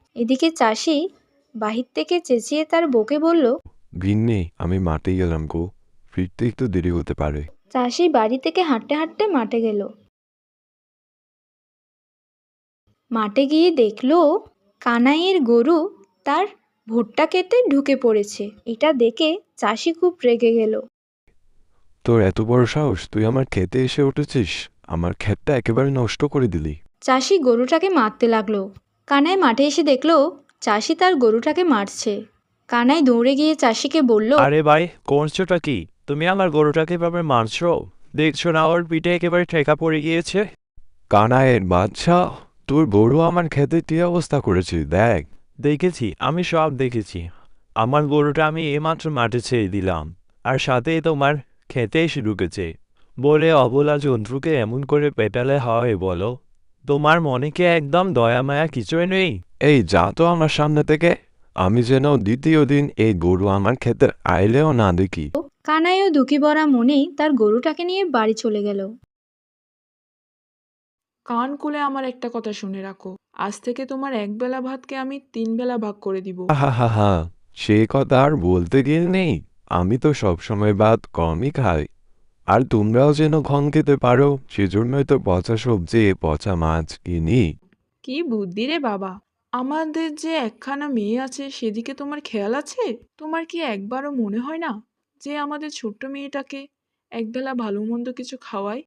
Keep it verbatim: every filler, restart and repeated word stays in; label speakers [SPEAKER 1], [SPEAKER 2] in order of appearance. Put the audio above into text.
[SPEAKER 1] এদিকে চাষি বাহির থেকে চেঁচিয়ে তার বউকে বলল,
[SPEAKER 2] গিন্নি, আমি মাঠে গেলাম গো, ফিরতে একটু দেরি হতে পারে।
[SPEAKER 1] চাষি বাড়ি থেকে হাঁটতে হাঁটতে মাঠে গেল। মাঠে গিয়ে দেখলো কানাইয়ের গরু তার ভুট্টা খেতে ঢুকে পড়েছে। এটা দেখে চাষি খুব রেগে গেল।
[SPEAKER 2] তোর এত বড় সাহস, তুই আমার ক্ষেতে এসে উঠেছিস, আমার ক্ষেতটা একেবারে নষ্ট করে দিলি।
[SPEAKER 1] চাষি গরুটাকে মারতে লাগলো। কানাই মাঠে এসে দেখলো চাষি তার গরুটাকে মারছে। কানাই দৌড়ে গিয়ে চাষিকে বলল,
[SPEAKER 3] আরে ভাই, করছোটা কি? তুমি আমার গরুটাকে এভাবে মারছো? দেখছো না ওর পিঠে একেবারে ঠেকা পড়ে গিয়েছে?
[SPEAKER 2] কানাইয়ের বাচ্চা, তোর গরু আমার ক্ষেতে কি অবস্থা করেছে দেখ।
[SPEAKER 3] দেখেছি, আমি সব দেখেছি। আমার গরুটা আমি এইমাত্র মাঠে ছেড়ে দিলাম, আর সাথেই তোমার খেতে এসে ঢুকেছে। বলে অবলা জন্তুকে এমন করে পেটালে হয় বলো? তোমার মনে কি একদম দয়া মায়া কিছুই নেই?
[SPEAKER 2] এই যা তো আমার সামনে থেকে, আমি যেন দ্বিতীয় দিন এই গরু আমার ক্ষেতে আইলেও না দেখি।
[SPEAKER 1] কানাইও দুঃখী ভরা মনেই তার গরুটাকে নিয়ে বাড়ি চলে গেল।
[SPEAKER 4] কান খুলে আমার একটা কথা শুনে রাখো, আজ থেকে তোমার এক বেলা ভাতকে আমি তিন বেলা ভাগ করে দিব।
[SPEAKER 2] হা হা হা, সে কথা আর বলতে গিয়ে নেই। আমি তো সবসময় ভাত কমই খাই, আর তোমরাও যেন কম খেতে পারো সেজন্যই তো পচা সবজি পচা মাছ কিনি।
[SPEAKER 4] কি বুদ্ধি রে বাবা! আমাদের যে একখানা মেয়ে আছে সেদিকে তোমার খেয়াল আছে? তোমার কি একবারও মনে হয় না যে আমাদের ছোট্ট মেয়েটাকে একবেলা ভালো মন্দ কিছু খাওয়াই?